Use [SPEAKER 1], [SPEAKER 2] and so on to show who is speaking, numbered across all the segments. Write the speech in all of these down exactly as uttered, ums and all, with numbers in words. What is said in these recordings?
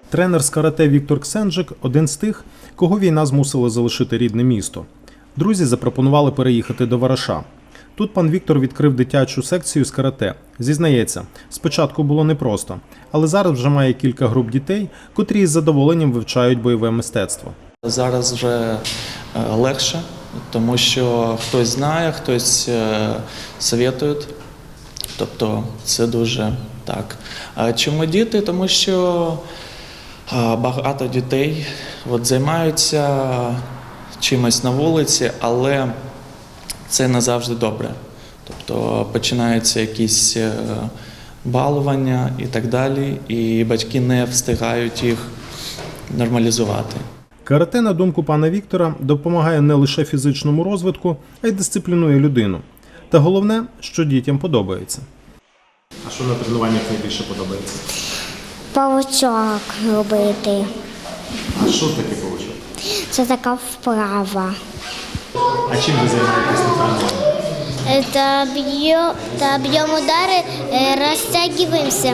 [SPEAKER 1] Тренер з карате Віктор Ксенджик – один з тих, кого війна змусила залишити рідне місто. Друзі запропонували переїхати до Вараша. Тут пан Віктор відкрив дитячу секцію з карате. Зізнається, спочатку було непросто, але зараз вже має кілька груп дітей, котрі із задоволенням вивчають бойове мистецтво.
[SPEAKER 2] Зараз вже легше, тому що хтось знає, хтось советує, тобто це дуже так. А чому діти? Тому що багато дітей от, займаються чимось на вулиці, але це не завжди добре. Тобто починаються якісь балування і так далі, і батьки не встигають їх нормалізувати.
[SPEAKER 1] Карате, на думку пана Віктора, допомагає не лише фізичному розвитку, а й дисциплінує людину. Та головне, що дітям подобається. А що на тренуваннях найбільше подобається?
[SPEAKER 3] Павучок робити.
[SPEAKER 1] А що таке павучок?
[SPEAKER 3] Це така вправа.
[SPEAKER 1] А чим ви займаєтесь на тренуванні?
[SPEAKER 3] Та б'ємо та б'ємо удари, розтягуємося.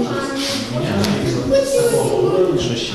[SPEAKER 1] Що ще?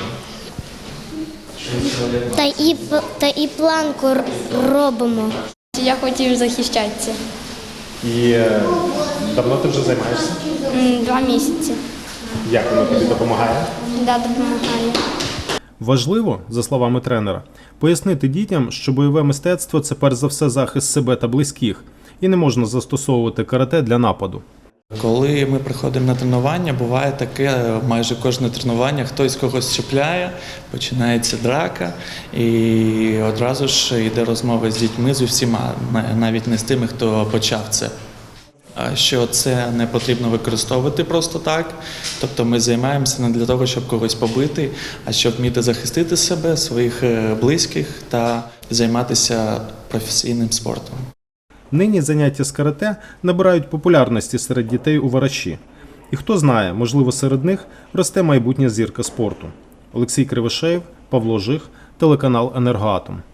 [SPEAKER 3] Та і, та і планку робимо.
[SPEAKER 4] Я хотів захищатися.
[SPEAKER 1] І давно ти вже займаєшся?
[SPEAKER 4] Два місяці.
[SPEAKER 1] Як воно тобі допомагає?
[SPEAKER 4] Да, допомагає.
[SPEAKER 1] Важливо, за словами тренера, пояснити дітям, що бойове мистецтво – це перш за все захист себе та близьких, і не можна застосовувати карате для нападу.
[SPEAKER 2] Коли ми приходимо на тренування, буває таке, майже кожне тренування хтось когось чіпляє, починається драка, і одразу ж йде розмова з дітьми, з усіма, навіть не з тими, хто почав це. Що це не потрібно використовувати просто так, тобто ми займаємося не для того, щоб когось побити, а щоб вміти захистити себе, своїх близьких та займатися професійним спортом.
[SPEAKER 1] Нині заняття з карате набирають популярності серед дітей у Вараші. І хто знає, можливо, серед них росте майбутня зірка спорту. Олексій Кривошеєв, Павло Жих, телеканал «Енергоатом».